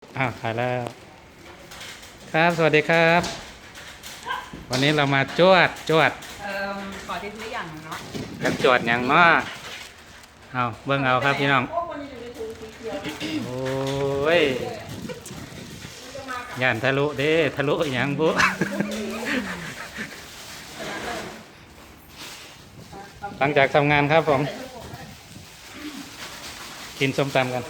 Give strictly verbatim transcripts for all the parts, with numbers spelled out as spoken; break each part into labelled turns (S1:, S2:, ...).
S1: อ้าวถ่ายแล้วครับสวัสดีครับ วันนี้เรามาจวดจวด
S2: เอ่อขอที่ซื้ออย่างเนาะ
S1: กันจวดอย่างเนาะเอาเบิ่งเอาครับพี่น้องโอ้ยย่านทะลุเด้ทะลุอย่างบุหลังจากทำงานครับผมกินส้มตำกัน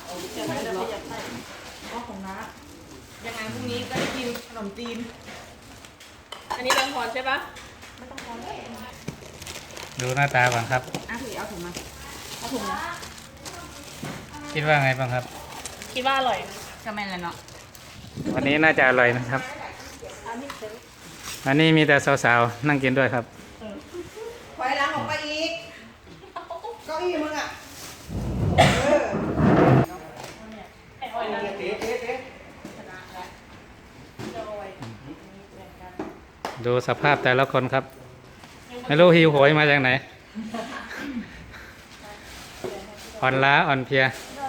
S2: ยังไงพรุ่งนี้ก็ได้กินขนมจีนอันนี้แบงค์พรใช่ปะไม่ต้องพร
S1: ดูหน้าตาก่อนครับ
S2: อ่ะถือเอาถุงมาเอาถุงนะ
S1: คิดว่าไงบ้างครับ
S2: คิดว่าอร่อยก็ไม่เลยเนาะ
S1: วันนี้น่าจะอร่อยนะครับอันนี้มีแต่สาวๆนั่งกินด้วยครับ
S2: ถอยหลังออกไปอีกเก้าอี้มึงอ่ะ
S1: ดูสภาพแต่ละคนครับไม่รู้หิวโหยมาจากไหนอ่อนล้าอ่อนเพลีย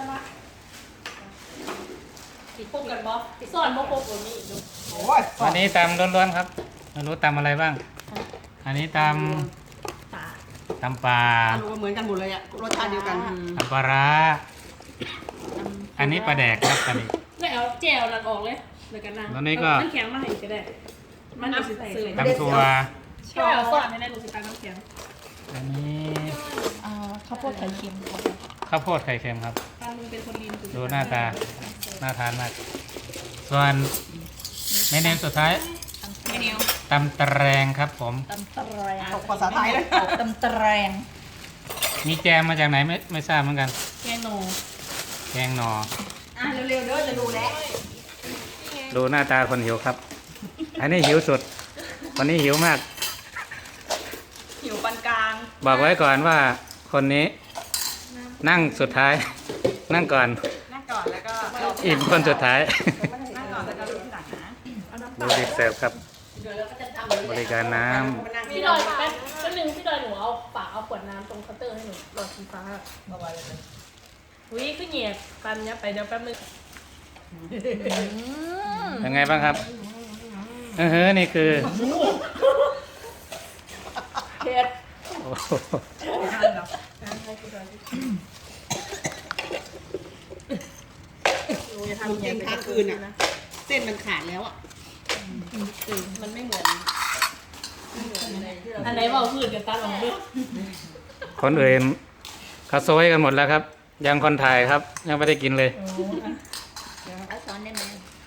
S2: พบกันบอสอนบอพบกันนี่
S1: วันนี้ตำล้วนๆครับไม่รู้ตำอะไรบ้างอันนี้ตำตำปลา
S2: เหมือนกันหมดเลยอะรสชาติเดียวกัน
S1: ตำปลาร้าอันนี้ปลาแดกครับอันนี้
S3: ไม่เอาแจวหลังออกเลยเหมือนกันนะ
S1: ตอนนี้ก็
S3: น้ำแข็งมาให้ก็ได้มันจะใส่
S1: ตำทัว
S3: ก็เอาซอสไม่ได้หนูสิตาน้ำแข็ง
S1: อันนี้
S3: ข้าวโพดไข่เค็ม
S1: ข้าวโพดไข่เค็มครับ
S3: ตาลุงเป็นคนลีน
S1: ดูหน้าตาน่าทานมากส่วนเมนูสุดท้าย
S2: เมนู
S1: ตำตะแรงครับผม
S3: ตำตะแรง
S2: ตกภาษาไทยเลย
S3: ตำตะแรง
S1: มีแกงมาจากไหนไม่ไม่ทราบเหมือนกัน
S3: แกงโน
S1: แกงหน่อ
S2: อ่ะเร็วๆเด้อจะดูแล้ว
S1: ดูหน้าตาคนหิวครับอันนี้หิวสุดวันนี้หิวมาก
S2: หิวปานกลาง
S1: บอกไว้ก่อนว่าคนนี้นั่งสุดท้ายนั่งก่อน
S2: นั่งก่อนแล้วก็
S1: อิ่มคนสุดท้าย
S2: นั่งก่อนแล้วก็ดูที่หลังนะ
S1: ดูดิเสิร์ฟครับบริการน้
S3: ำพี่ดอยแป๊บแป๊บนึงพี่ดอยหนูเอาฝาเอาขวดน้ำตรงเคาน์เตอร์ให้หนูหลอดสีฟ้ามาไว้เลยอุ้ยขึ้นเหยียบปันเนี้ยไปเดี๋ยวแป๊บนึง
S1: ยังไงบ้างครับเออเฮ้อนี่คือ
S3: เผ็ด
S2: ทำเย็นค้างคืนอ่ะเส้นมันขาดแล้วอ่ะ
S3: มันไม่เหมือนอันไหนบอกพืชกันตาหลงด้วย
S1: คนอื่นเขาโซยกันหมดแล้วครับยังคนถ่ายครับยังไม่ได้กินเลย
S2: เอาช้อนได้ไหม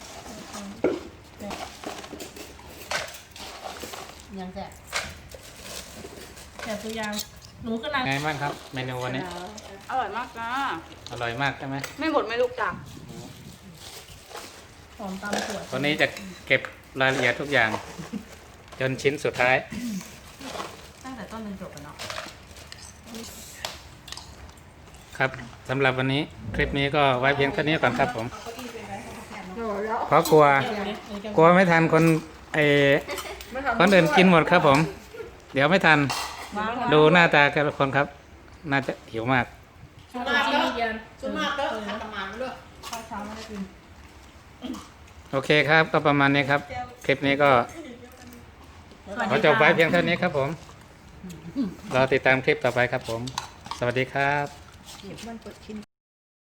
S2: ยังแซ่บ
S3: แซ่บตัวยาวหนูก็นั่ง
S1: ไงบ้างครับเมนูวันนี้
S2: อร่อยมากนะ
S1: อร่อยมากใช่ไหม
S2: ไม่หมดไม่ลูกจัง
S3: หอมตามขวด
S1: วันนี้จะเก็บรายละเอียดทุกอย่างจนชิ้นสุดท้าย
S2: ตั้งแต่ต้นจนจบกันเนาะ
S1: ครับสำหรับวันนี้คลิปนี้ก็ไว้เพียงเท่านี้ก่อนครับผมเพราะกลัวกลัวไม่ทันคนไอคนอื่นกินหมดครับผมเดี๋ยวไม่ทันดูหน้าตาแต่ละคนครับน่าจะหิวมาก
S3: สุมากเด้อ
S2: สุมากเด้อทำประมาณนั้นด้วยข้าวเช้าไม่ได้กิน
S1: โอเคครับก็ประมาณนี้ครับคลิปนี้ก็ขอจบไว้เพียงเท่านี้ครับผมรอติดตามคลิปต่อไปครับผมสวัสดีครับ